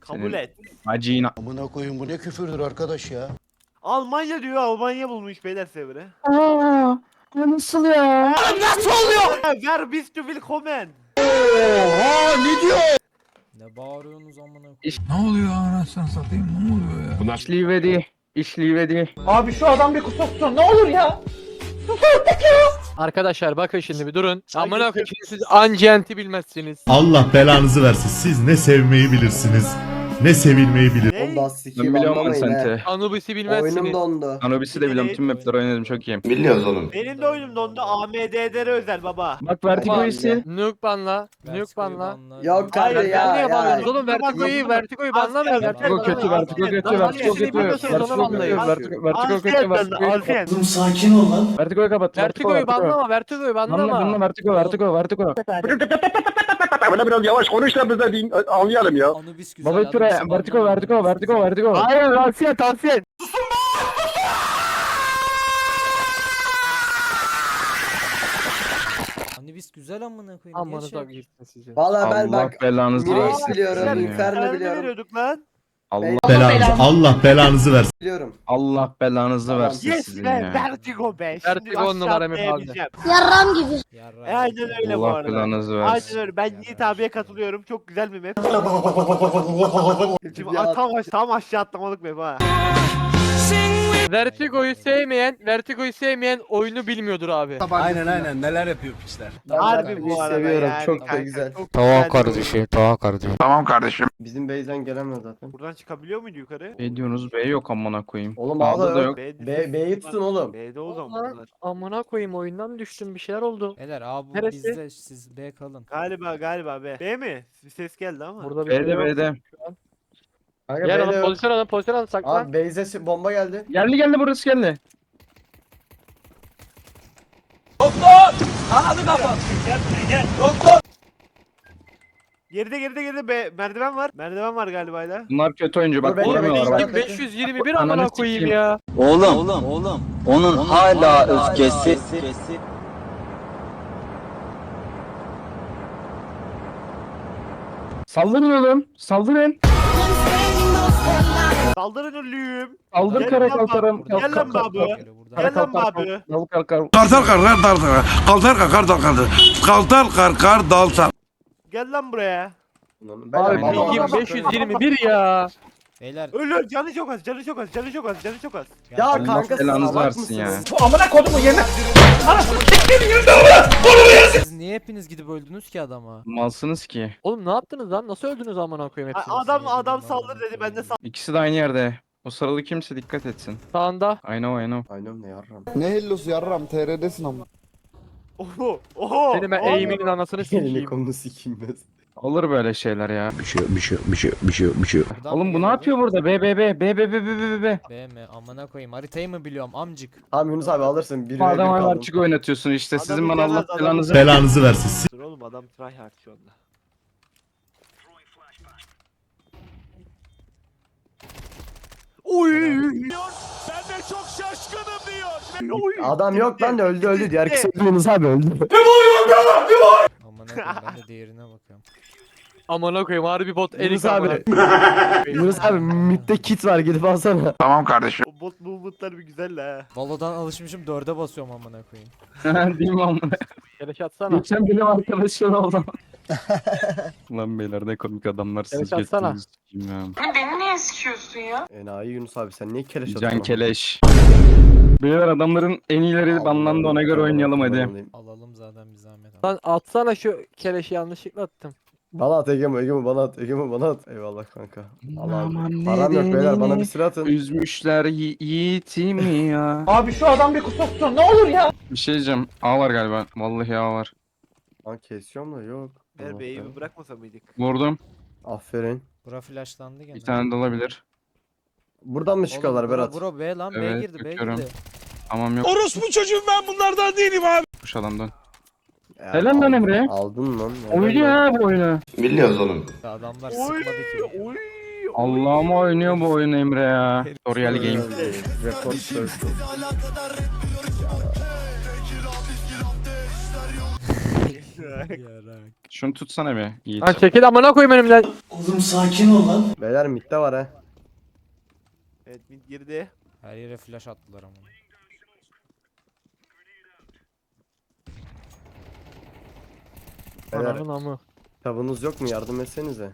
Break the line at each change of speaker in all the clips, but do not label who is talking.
Kabul et.
Acıyına.
Amına koyun bu ne küfürdür arkadaş ya.
Almanya diyor, Almanya bulmuş beyler sevre.
Aa, nasıl ya?
Nasıl oluyor? Ver bis du willkommen.
Ne bağırıyorsunuz amına koyayım?
Ne oluyor anasını satayım, ne oluyor ya?
İşlivedi. İşlivedi.
Arkadaşlar bakın şimdi bir durun. Amına koyayım siz Ancent'i bilmezsiniz.
Allah belanızı versin. Siz ne sevmeyi bilirsiniz, ne sevilmeyi bilirsiniz.
Ne?
Oğlum daha
Ben
sikiyim
biliyorum
anlamayın he.
Ancent'i.
Anubis'i
Oyunum
bilmezsiniz.
dondu.
Anubis'i de biliyorum. Tüm mapleri oynadım çok iyiyim.
Benim de oyunum dondu. AMD'lere özel baba.
Bak Vertigo'yu sil.
Nuke banla. Nuke
Vertigo'yu
banla.
Yok
Hayır,
kanka
ben
ya
niye
ya.
banlıyorsunuz oğlum? Vertigo'yu banlamayın.
Vertigo kötü, Vertigo kötü, Vertigo kötü. Vertigo kötü, Vertigo kötü, Vertigo kötü.
Sakin ol lan.
Vertigo'yu kapat.
Vertigo'yu banlama. Vertigo'yu
Banlama,
banlama.
Vertigo.
Böyle biraz yavaş konuş da biz de anlayalım ya.
Anubis güzel.
Baba Ture, Vertigo.
Hayır tavsiye.
Anubis güzel amına koyayım.
Amanı
Geç
da
ya.
gitsin sizin.
Valla ben
Allah
bak
belanızı
Mirage
versin.
biliyorum,
sizin ya.
Inferno
Nerede
biliyorum.
veriyorduk lan?
Allah
Belanızı versin.
Biliyorum.
Allah belanızı
Tamam.
versin
Yes
sizin
be,
ya.
Vertigo be.
Vertigo
Şimdi
on numara
aşağı
mı abi?
atlayabileceğim.
Yarram gibi.
Yarra.
Aynen öyle bu
Allah
arada.
belanızı
Aynen
versin.
öyle. Ben Yiğit abiye katılıyorum. Çok güzel bir map. Şimdi
Ya.
tam aşağı atlamalık map ha.
Vertigo'yu sevmeyen oyunu bilmiyordur abi.
Aynen neler yapıyor pisler.
Harbi bu arada
seviyorum,
yani
çok da
kanka,
güzel.
çok
Tamam
güzel bir
kardeşim, tamam kardeşim.
Tamam kardeşim.
Bizim base'den gelemez zaten.
oyun. Buradan çıkabiliyor muydu yukarı?
Ne diyorsunuz? B yok amına koyayım.
Oğlum
A'da
A'da
da
yok.
yok.
B'yi tutun oğlum.
B'de o zaman
Ulan,
bunlar.
amına koyayım oyundan düştüm bir şeyler oldu.
Beyler abi bu
Neresi?
bizde siz B kalın.
Galiba B. B mi? Bir ses geldi ama.
Burada bir şey
B'de
yok.
B'de.
Kanka
Gel
B'de
alın
yok.
pozisyon alın saklan.
Abi base'e bomba geldi.
Geldi burası geldi.
Geride B. Merdiven var. Merdiven var galiba hala.
Bunlar kötü oyuncu bak
Dur, bekle,
vurmuyorlar
bekle.
bak.
521
Ananı
amına koyayım
sikeyim.
ya.
Oğlum, onun hala öfkesi.
Saldırın oğlum. Saldırın.
Saldırın ölüyüm.
Saldır
Gel
kara
lan
kalkarım.
bak, gel lan babu.
Böyle buradan.
Gel lan babu.
Dal kalkar.
Kartal karkar dal Kaltar karkar dal sal.
Gel lan buraya.
Ben
Abi
Tamam.
pingim 521 ya.
Beyler.
Ölür. Canı çok az.
Ya
Allah
kanka
belanızı
salak
versin ya.
mısınız?
Siz niye hepiniz gidip öldünüz ki adama?
Malsınız ki.
Oğlum ne yaptınız lan? Nasıl öldünüz amına koyayım hepsini?
Adam saldır dedi. Ben de saldır.
İkisi de aynı yerde. O sarılı kimse dikkat etsin.
Sağında.
I know.
Aynen ne yarram.
Ne hellosu yarram TR'desin ama.
Oho.
Senin ben eğiminin anasını
Elini
sikeyim.
kolunu sikeyim ben.
Olur böyle şeyler ya.
Buradan
Oğlum
mı
bu ne
geliyor
yapıyor burada? B.
B mi? Amına koyayım. Haritayı mı biliyorum amcık?
Tamam Yunus abi alırsın. Bir
Bu
ve bir
adama
kaldım.
Arçık oynatıyorsun işte.
Adamı
Sizin bana Allah
yemez, adamı
belanızı
Belanızı versin.
Dur oğlum adam tryhard şu anda. Oy. Ben de çok şaşkınım diyor. Oy.
Adam yok lan öldü. Diğer kısa Yunus abi öldü.
Amına koyayım ben de diğerine bakıyorum.
Amına koyayım harbi bot
Yunus
elik amına.
abi. Yunus abi midde kit var gidip alsana.
Tamam kardeşim.
O bot movement'lar bir güzel ha.
Valo'dan alışmışım 4'e basıyorum amına koyayım.
Değil mi amına?
Keleş atsana.
Geçen benim arkadaşım oldu. Lan beyler ne komik adamlar siz
Evet, atsana.
geçtiniz. Bilmem.
Beni niye sıkıyorsun ya?
Enayi Yunus abi sen niye keleş
Can
atıyorsun?
Keleş. Beyler adamların en iyileri banlandı ona göre oynayalım hadi.
Alalım zaten bir zahmet.
Lan atsana şu keleşi yanlışlıkla attım.
Bana at Egemo bana at Egemo bana at. Eyvallah kanka. Allah
Aman
abi. Param yok beyler bana bir silah atın.
Üzmüşler yiğitimi ya.
Abi şu adam bir kusursun ne olur ya.
Bir şey diyeceğim. A var galiba. Vallahi A var.
Lan kesiyorum da yok.
Ver
Allah
B'yi
Allah.
bir bırakmasa mıydık?
Vurdum.
Aferin.
Bura flashlandı gene.
Bir tane de olabilir.
Buradan mı çıkıyorlar
Oğlum,
Berat?
Bro B lan B
Evet,
girdi B
bakıyorum.
girdi.
Tamam yok.
Orospu çocuğum ben bunlardan değilim abi.
Kuş adamdan.
Ya,
Helal lan
aldın-
Emre.
Aldın lan. helal
Oynuyor
lan.
ha bu oyunu.
Biliyoruz oğlum.
Adamlar
Oy.
sıkmadı ki.
Oy.
Allah'ıma oynuyor bu oyun Emre ya. Tutorial game.
Report circle.
Şunu tutsana bir. Yiğit.
Lan çekil amına koyayım önümden.
Beyler midde var ha.
Evet mid girdi.
Her yere flash attılar ama.
Beyler
Ananın amı.
kitabınız yok mu? Yardım etsenize.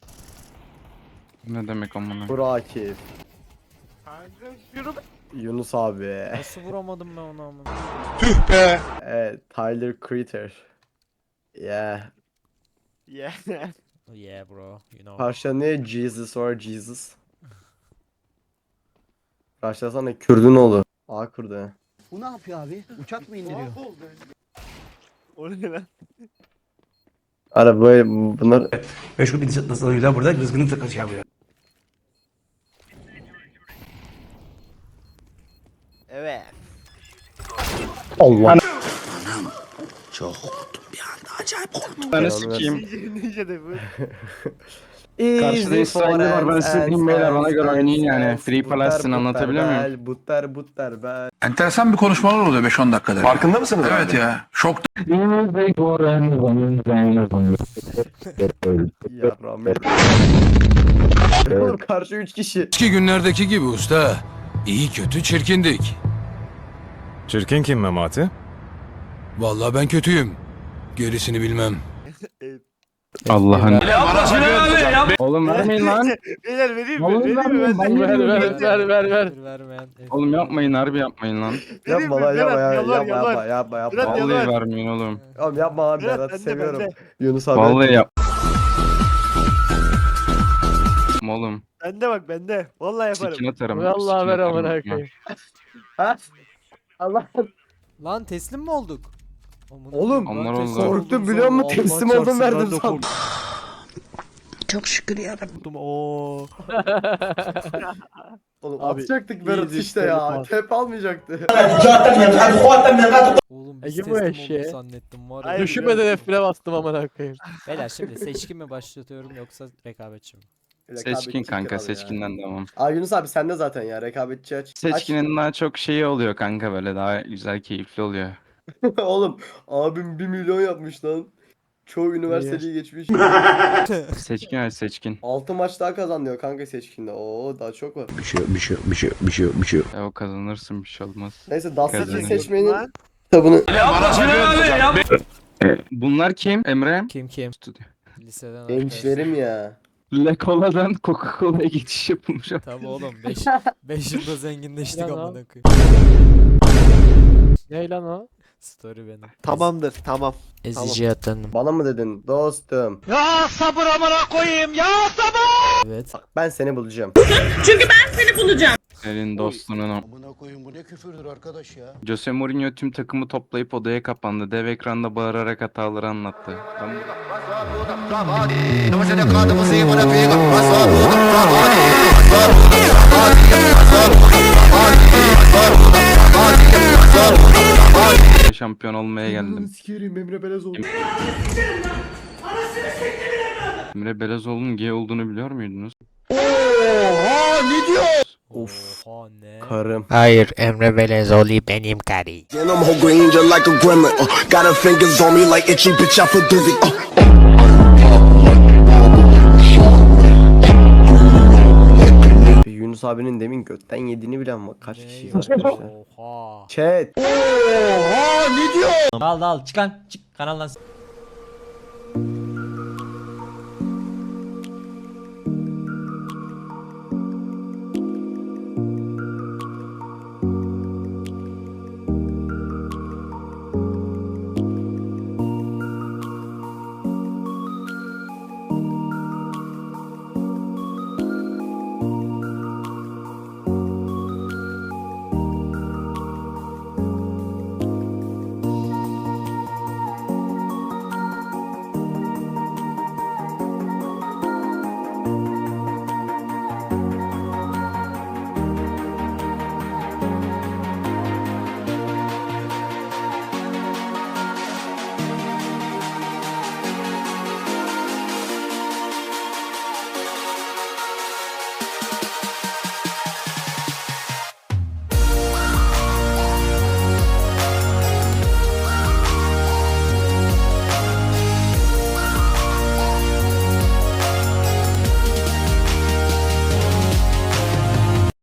Ne demek amına?
Burakif.
Kanka şunu
Yunus abi.
Nasıl vuramadım ben onu amına?
Evet, Tyler Creator. Yeah.
Yeah.
Oh yeah bro, you know.
Karşıda ne? Jesus or Jesus. Karşılasana Kürdün oğlu. A kurdu.
Bu ne yapıyor abi? Uçak mı indiriyor?
O ne lan?
Ara böyle bunlar
Meşgul bir nasılıyla burada rızkını takası yapıyor.
Evet.
Allah.
Ben sikeyim.
Ninja de bu.
Karşıda İsrailli var, ben size diyeyim beyler, bana göre oynayın yani. Free Palestine anlatabiliyor muyum?
Butter bel.
Enteresan bir konuşmalar oluyor 5-10 dakikada. Farkında mısınız? Evet ya. Şok.
Ya rahmet. Oğlum karşı 3 kişi.
Eski günlerdeki gibi usta. İyi kötü çirkindik.
Çirkin kim Memati?
Vallahi ben kötüyüm. Gerisini bilmem.
Allah'ın. Oğlum vermeyin lan.
Beyler vereyim mi?
Oğlum
Vereyim mi? Ben
vermeyin,
de-
Ver.
Vermeyen.
Oğlum yapmayın, harbi yapmayın lan.
Vereyim
Yapma
mi?
lan yapma
Berat,
ya,
yalvar,
yapma
yalvar.
yapma
Berat,
yapma.
Vallahi
yalvar.
vermeyin oğlum.
Oğlum yapma lan
Berat,
Berat'ı
bende,
seviyorum.
bende.
Yunus abi.
Vallahi yap. Oğlum.
Bende bak bende. Vallahi yaparım.
Sikin atarım.
Vallahi
sikin
ver
atarım.
amına koyayım.
Ha? Allah.
Lan teslim mi olduk?
Oğlum,
Onlar
teslim
oldu.
oldum
Korktum biliyor musun?
Allah
Teslim
çarpsın,
oldum
ben
verdim
de
sandım.
Çok şükür ya.
Oo.
Oğlum
Abi,
atacaktık Berat
iyice
işte ya.
olmaz.
Tep almayacaktı.
Oğlum biz
Ege bu
teslim
eşeğe.
olduk zannettim var ya.
Hayır.
Düşünmeden F1'e bastım amına koyayım.
Beyler şimdi seçkin mi başlatıyorum yoksa rekabetçi mi?
Seçkin kanka,
kral ya.
seçkinden devam.
Aa Yunus abi sende zaten ya rekabetçi aç.
Seçkinin daha çok şeyi oluyor kanka, böyle daha güzel, keyifli oluyor.
Aç. Oğlum abim 1 milyon yapmış lan. Çoğu üniversiteyi geçmiş.
Seçkin aç, seçkin.
6 maç daha kazanıyor kanka seçkinde. Oo daha çok var.
O kazanırsın, bir şey olmaz.
Neyse Dastaki
Kazanıyor.
seçmenin
Lan.
kitabını.
Bunlar kim? Emre?
Kim?
Stüdyo.
Liseden
Gençlerim ya.
La Cola'dan Coca-Cola'ya geçiş yapılmış.
Tabii oğlum 5 yılda zenginleştik
Lan
amına
o.
koyayım.
Ne lan o?
Story benim.
Tamamdır tamam.
Ezici atanım.
Bana mı dedin dostum?
Evet.
Ben seni bulacağım.
Senin dostunun o.
Amına koyun bu ne küfürdür arkadaş ya.
Jose Mourinho tüm takımı toplayıp odaya kapandı. Dev ekranda bağırarak hataları anlattı. Ben şampiyon olmaya geldim.
Sikerim Emre Belezoğlu.
Emre Belezoğlu'nun gay olduğunu biliyor muydunuz?
Oha ne?
Karım.
Hayır Emre Belezoğlu benim karı.
And I'm whole green just like a gremlin. Got her fingers on me like itchy bitch, I feel dizzy.
Yunus abinin demin götten yediğini bilen bak kaç kişi
Ne?
arkadaşlar.
Oha.
Chat.
Al çık kanaldan.